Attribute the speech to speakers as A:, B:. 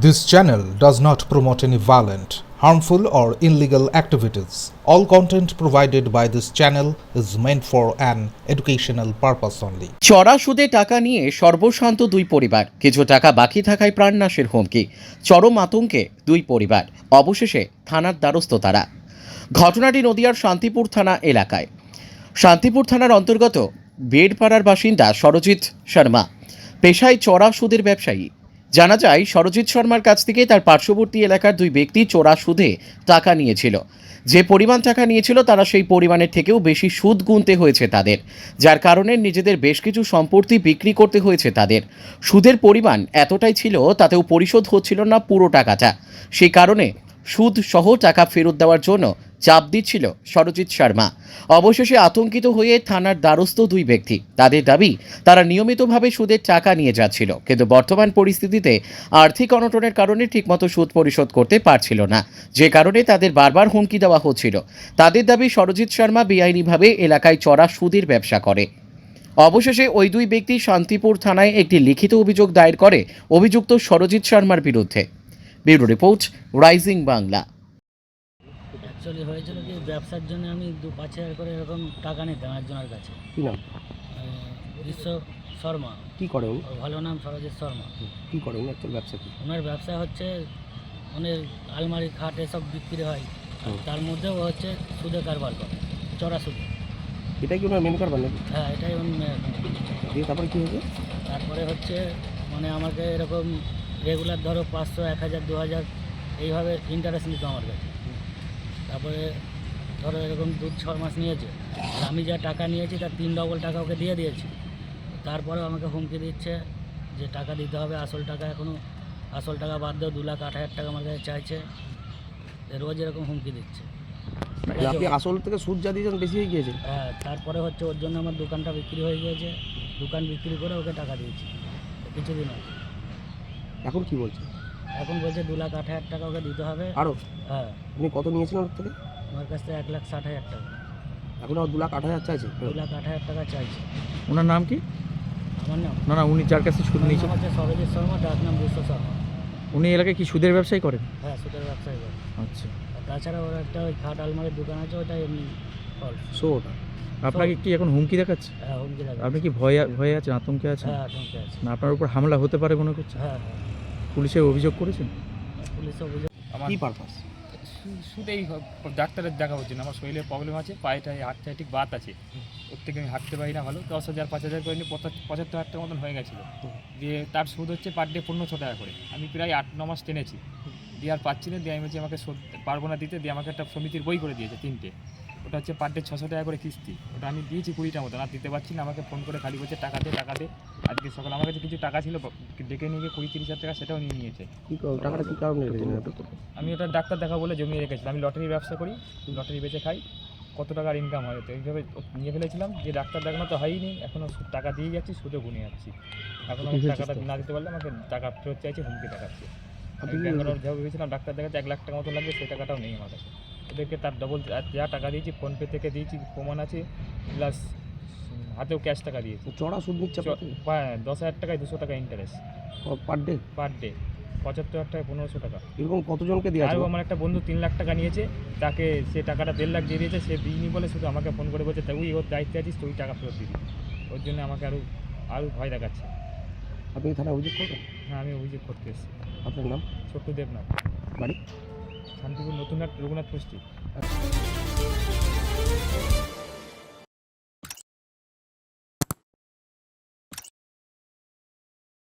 A: This channel does not promote any violent, harmful, or illegal activities. All content provided by this channel is meant for an educational purpose only.
B: চড়া সুদে টাকা নিয়ে সর্বশান্ত দুই পরিবার, কিছু টাকা বাকি থাকায় প্রাণনাশের হুমকি, চরম আতঙ্কে দুই পরিবার, অবশেষে থানার দ্বারস্থ তারা। ঘটনাটি নদিয়ার শান্তিপুর থানা এলাকায়। শান্তিপুর থানার অন্তর্গত বেড়পাড়ার বাসিন্দা সরজিৎ শর্মা পেশায় চড়া সুদের ব্যবসায়ী। জানা যায়, সরজিৎ শর্মার কাছ থেকে তার পার্শ্ববর্তী এলাকার দুই ব্যক্তি চড়া সুদে টাকা নিয়েছিল। যে পরিমাণ টাকা নিয়েছিল তারা সেই পরিমাণের থেকেও বেশি সুদ গুনতে হয়েছে তাদের, যার কারণে নিজেদের বেশ কিছু সম্পত্তি বিক্রি করতে হয়েছে তাদের। সুদের পরিমাণ এতটাই ছিল তাতেও পরিশোধ হচ্ছিল না পুরো টাকাটা। সেই কারণে সুদ সহ টাকা ফেরত দেওয়ার জন্য চাপ দিচ্ছিল সরজিৎ শর্মা। অবশেষে আতঙ্কিত হয়ে থানার দ্বারস্থ দুই ব্যক্তি। তাদের দাবি, তারা নিয়মিতভাবে সুদের টাকা নিয়ে যাচ্ছিল, কিন্তু বর্তমান পরিস্থিতিতে আর্থিক অনটনের কারণে ঠিকমতো সুদ পরিশোধ করতে পারছিল না, যে কারণে তাদের বারবার হুমকি দেওয়া হচ্ছিল। তাদের দাবি, সরজিৎ শর্মা বেআইনিভাবে এলাকায় চড়া সুদের ব্যবসা করে। অবশেষে ওই দুই ব্যক্তি শান্তিপুর থানায় একটি লিখিত অভিযোগ দায়ের করে অভিযুক্ত সরজিৎ শর্মার বিরুদ্ধে। Bureau report, rising Bangla.
C: Actually হয়েছিল কি, ব্যবসার জন্য আমি 5,000 করে এরকম টাকা নিতাম একজনের কাছে।
D: কি নাম?
C: বিশ্ব শর্মা।
D: কি করে উনি?
C: ওর ভালো নাম সরজিৎ শর্মা।
D: কি করে উনি? অ্যাকচুয়াল ব্যবসা কি?
C: ওনার ব্যবসা হচ্ছে ওনার আলমারি, খাট এসব বিক্রি হয়, আর তার মধ্যেও হচ্ছে সুদে কারবার করে, চড়া সুদে।
D: এটাই কি ওনার মেন কারবার নাকি?
C: হ্যাঁ, এটাই
D: দিয়ে তারপরে কী হয়েছে?
C: তারপরে হচ্ছে মানে আমাকে এরকম রেগুলার ধরো 500, 1,000, 2,000 এইভাবে ইন্টারেস্ট নিত আমার কাছে। তারপরে ধরো এরকম 2-6 মাস নিয়েছে, আর আমি যা টাকা নিয়েছি তার 3 ডবল টাকা ওকে দিয়ে দিয়েছি। তারপরেও আমাকে হুমকি দিচ্ছে যে টাকা দিতে হবে, আসল টাকা এখনও, আসল টাকা বাদ দিয়েও 2,08,000 টাকা আমার কাছে চাইছে। রোজ এরকম হুমকি দিচ্ছে।
D: মানে আপনি আসল থেকে সুদ যা দিয়েছেন বেশি হয়ে গিয়েছে?
C: হ্যাঁ, তারপরে হচ্ছে ওর জন্য আমার দোকানটা বিক্রি হয়ে গিয়েছে। দোকান বিক্রি করে ওকে টাকা দিয়েছি কিছুদিন আগে।
D: এখন কি বলছে?
C: এখন বলছে 2,08,000 টাকা ওকে দিতে হবে।
D: আরও?
C: হ্যাঁ,
D: আপনি কত নিয়েছিলেন ওর থেকে?
C: আমার কাছ থেকে 1,60,000 টাকা।
D: এখন আর 2,08,000 চাইছে?
C: 2,08,000 টাকা চাইছে।
E: ওনার নাম কি?
C: আমার নাম
E: উনি যার কাছে সুদ নিয়েছেন,
C: হচ্ছে সরজিৎ শর্মা, ডাক নাম বিশ্ব শর্মা।
E: উনি এলাকায় কি সুদের ব্যবসায়ী করেন?
C: হ্যাঁ, সুদের ব্যবসায়ী করে।
E: আচ্ছা,
C: আর তাছাড়া ওর একটা ওই খাট আলমারির দোকান আছে, ওটা এমনি ফল।
D: সো ওটা
E: আপনাকে কি এখন হুমকি দেখাচ্ছে?
C: হ্যাঁ, হুমকি দেখা।
E: আপনি কি ভয়ে আছেন, আতঙ্কে আছেন?
C: হ্যাঁ, আতঙ্কে আছে।
E: না আপনার উপর হামলা হতে পারে মনে করছেন?
C: হ্যাঁ হ্যাঁ,
E: পুলিশে অভিযোগ করেছেন?
C: পুলিশ অভিযোগ।
D: কি পারপাস?
F: শুধুই ডাক্তারের দেখা হচ্ছে না, আমার শরীরে প্রবলেম আছে, পায়েটায় হাতটায় ঠিক বাত আছে, ওর থেকে আমি হাঁটতে পারি না ভালো। 10,000 5,000 করে নিয়ে 75,000 টাকার মতন হয়ে গেছিলো। দিয়ে তার সুদ হচ্ছে পার ডে 1500 টাকা করে। আমি প্রায় 8-9 মাস টেনেছি, দিয়ে আর পাচ্ছি না। দিয়ে আমি বলছি আমাকে পারবো না দিতে। দিয়ে আমাকে একটা সমিতির বই করে দিয়েছে 3টে, ওটা হচ্ছে পার ডে 600 টাকা করে কিস্তি। ওটা আমি দিয়েছি 20টা মতন, আর দিতে পারছি না। আমাকে ফোন করে খালি বলছে টাকা দে টাকা দে। আজকে সকালে আমার কাছে কিছু টাকা ছিল, ডেকে নিয়ে গিয়ে 20-30 হাজার টাকা সেটাও নিয়ে নিয়েছে।
D: টাকাটা কী কারণে রেখেছিলেন?
F: আমি ওটা ডাক্তার দেখা বলে জমিয়ে রেখেছিলাম। আমি লটারির ব্যবসা করি, লটারি বেচে খাই, কত টাকার ইনকাম হয় তো এইভাবে নিয়ে ফেলেছিলাম। যে ডাক্তার দেখানো তো হয়নি, এখনও টাকা দিয়ে যাচ্ছি, সুদে গুনে যাচ্ছি। এখন আমি টাকাটা না দিতে পারলে আমাকে টাকা ফেরত চাইছে, হুমকি দেখাচ্ছে। আমি ব্যাঙ্গালোর যাবো ভেবেছিলাম, ডাক্তার দেখাতে 1 লাখ টাকা মতো লাগবে, সেই টাকাটাও নেই আমার কাছে। ওদেরকে তার ডবল যা টাকা দিয়েছি, ফোনপে থেকে দিয়েছি, প্রমাণ আছে, প্লাস হাতেও ক্যাশ টাকা দিয়েছি।
D: চড়া সুদ নিচ্ছে?
F: 10,000 টাকায় 200 টাকা interest
D: per day?
F: Per day 75,000 টাকায় 1,500 টাকা।
D: এরকম কতজনকে দিয়ে আছে?
F: আর আমার একটা বন্ধু 3 লাখ টাকা নিয়েছে, তাকে সে টাকাটা 1.5 লাখ দিয়ে দিয়েছে। সে দিইনি বলে শুধু আমাকে ফোন করে বলছে তুই ওর দায়িত্বে আছিস, তুই টাকা ফেরত দিবি। ওর জন্য আমাকে আরও ভয় দেখাচ্ছে।
D: আপনি থানায় অভিযোগ করবেন?
F: হ্যাঁ, আমি অভিযোগ করতে এসেছি।
D: আপনার নাম?
F: ছোট্ট দেবনাথ,
D: বাড়ি?
F: শান্তিপুর নতুন রঘুনাথ পুষ্টি।